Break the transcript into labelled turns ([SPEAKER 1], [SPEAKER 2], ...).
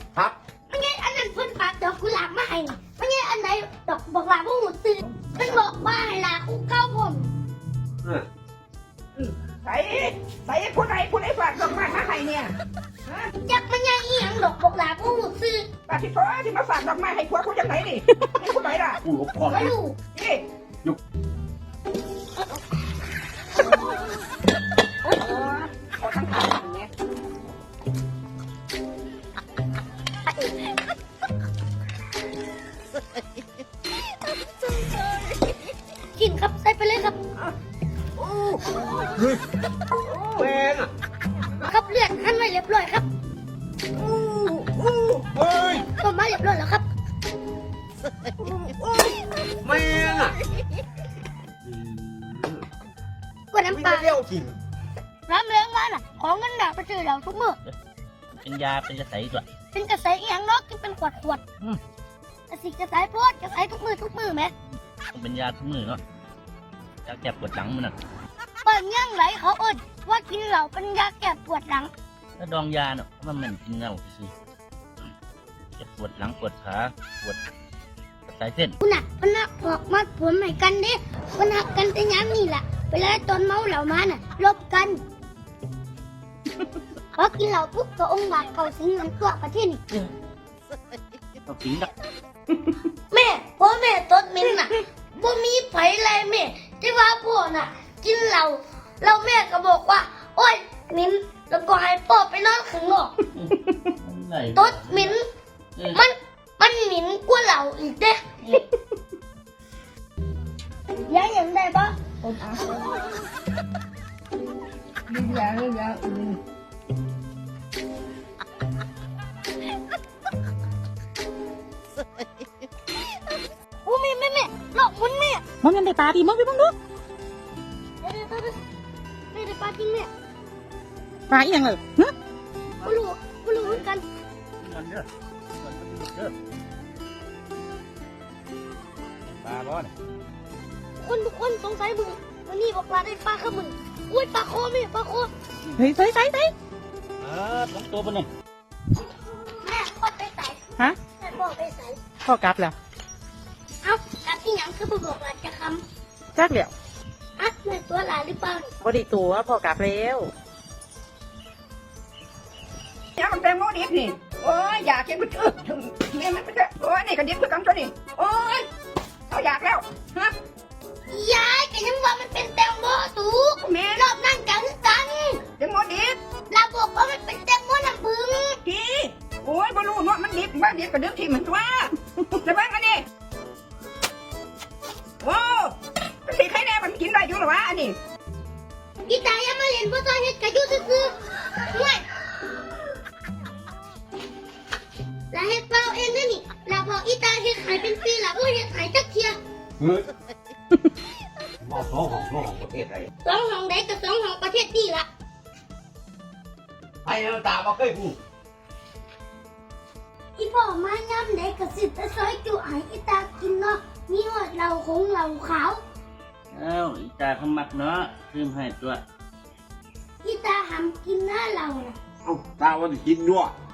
[SPEAKER 1] ครับ
[SPEAKER 2] ไม่ใช่อันนั้นเพิ่นฝากดอกกุหลาบมาให้ไม่ใช่อันไหนดอกบอกลาผู้หูตื่นเพิ่นบอกว่าให้ลาคู่เก้าผม
[SPEAKER 3] ใส่ผู้ใดฝากดอกไม้มาให้เนี่ย
[SPEAKER 2] จักมันยังอีหยังดอกบอกลาผู้หูตื่น
[SPEAKER 3] ปาที่พ่อที่มาฝากดอกไม้ให้ผัวเขาจากไหนนี่นี่ผู้ใดล่ะ
[SPEAKER 1] กูหลบพ่อ
[SPEAKER 2] ไม่รู้
[SPEAKER 3] นี่ขอทั้งขาอย่างเงี้ย
[SPEAKER 2] กินครับใส่ไปเลยครับ
[SPEAKER 1] เฮ้ยแม่งอ่ะ
[SPEAKER 2] ครับเลือดหั่นไว้เรียบร้อยครับ
[SPEAKER 1] เฮ้ย
[SPEAKER 2] ต้มมาเรียบร้อยแล้วครับ
[SPEAKER 1] แม่งอ่ะ
[SPEAKER 2] กว่าน้ำปลา
[SPEAKER 1] เลี้ยวกิน
[SPEAKER 2] น้ำเลี้ยงมาน่ะของเงินดาไปซื้อเราทุกมื้อ
[SPEAKER 4] เป็นยาเป็นกระใสด้วย
[SPEAKER 2] เป็นกระแสอีหยังเนาะกินเป็นขวดกระสิกระสายโพดกระสายทุกมือไหม
[SPEAKER 4] ต้องเป็นยาทุกมือเนาะยาแก้ปวดหลังมันน่ะ
[SPEAKER 2] เปิดย่างไหลเขาเอิ้นว่ากินเหล้าเป็นยาแก้ปวดหลัง
[SPEAKER 4] ถ้าดองยาเนาะมันเหม็นกินเหล้าสิจะปวดหลังปวดขาปวดกระสายเส้น
[SPEAKER 2] คุณน่ะพนักบอกมาผลใหม่กันเด้พนักกันแต่ย้ำนี่แหละเวลาตอนเมาเหล้ามาน่ะลบกันพอกินเหล้าปุ๊บก็องค์บากเข้าสิงเหมือนตัวประเทศนี่
[SPEAKER 4] ต้องกินดัก
[SPEAKER 2] แม่พ่อแม่ต้นมินน่ะบ่มีไผอะไรแม่ที่ว่าพ่อน่ะ กินเหล้าแล้วแม่ก็บอกว่า โอ๊ยมินแล้วก็ให้พ่อไปนอนข้างนอก
[SPEAKER 4] ไหน
[SPEAKER 2] ต้นมินมันหมิ่นกว่าเหล้าอีกเด้ยังยังได้ปะ
[SPEAKER 3] ผมอ่ะนี่ยา
[SPEAKER 2] อู้แม่หลอกมุนแม่
[SPEAKER 5] มองยังได้ปลาดีมองไปบ้างดู
[SPEAKER 2] เดี๋ยวได้ปลาจริงแม่
[SPEAKER 5] ปลาอีหยังเลยฮะ
[SPEAKER 2] บ่รู้เหมือนกัน
[SPEAKER 4] มันเด้อมันเด้อปลาร้อน
[SPEAKER 2] ทุกคนสงสัยมึงวันนี้บอกลาได้ปลาข้ามึงอุ้ยปลาโคแม่ปลาโค
[SPEAKER 5] เฮ้ยใส่
[SPEAKER 4] ต้องตัวมันนี่
[SPEAKER 2] แม่พ่อไปใส่
[SPEAKER 5] ฮะ
[SPEAKER 2] แม่พ่อไปใส่
[SPEAKER 5] พ่อกลับแล้ว
[SPEAKER 2] เอ้ากับที่หยังคือบ่บอกลาจะค
[SPEAKER 5] จักแล้ว
[SPEAKER 2] ำอ่ะแม่ตัวลาหรือเปล่า
[SPEAKER 5] บ่ได้ตัวพ่อกลับแล้ว
[SPEAKER 3] ยามันแตงโมดิบนี่โอ้ยอยากกินมันเนี่ยมันจะโอ้ยนี่ก็ดิบคือกันตัวนี่โอ้ยเอาอยากแล้วฮะ
[SPEAKER 2] ยายก็ยังว่ามันเป็นแตงโมสูง
[SPEAKER 3] แม่
[SPEAKER 2] รอบนั่งกันกัน
[SPEAKER 3] แตงโมดิบ
[SPEAKER 2] ลาบอกว่ามันเป็นแตงโมน้ำผึ้ง
[SPEAKER 3] ทีโอ้ยบอลูเนาะมันดิบบ้านดิบกับดิบที่เหมือนตัวแต่บ้านอันนี้โอ้สีไข่แดงมันกินได้อยู่หรอวะอันนี้
[SPEAKER 2] อีตายังมาเล่นบ่ต้องเฮ็ดกะอยู่ซื่อๆห่วยลาเฮ็ดเปล่าเองเด้อนี่ลาบอกอีตาเฮ็ดขายเป็นปีละบ่เฮ็ดขายจักเที่ย
[SPEAKER 1] เฮ้ยมอสองของประเทศไทย
[SPEAKER 2] สองห้องใดก็สองห้องประเทศนี่ล่ะ
[SPEAKER 1] ไอ้น้ำตาบ่เคยพูด
[SPEAKER 2] อีพ่อมาย่ำใดก็สิไปซอยจุให้อีตากินเนาะมีหอดเหล้าคงเหล้าขาว
[SPEAKER 4] เอ้าอีตาเขามักเนาะซื้อมาให้ตัว
[SPEAKER 2] อีตาห้ามกินหน้าเหล้าน่ะ
[SPEAKER 1] เอ้าตาว่าจะกินด้วย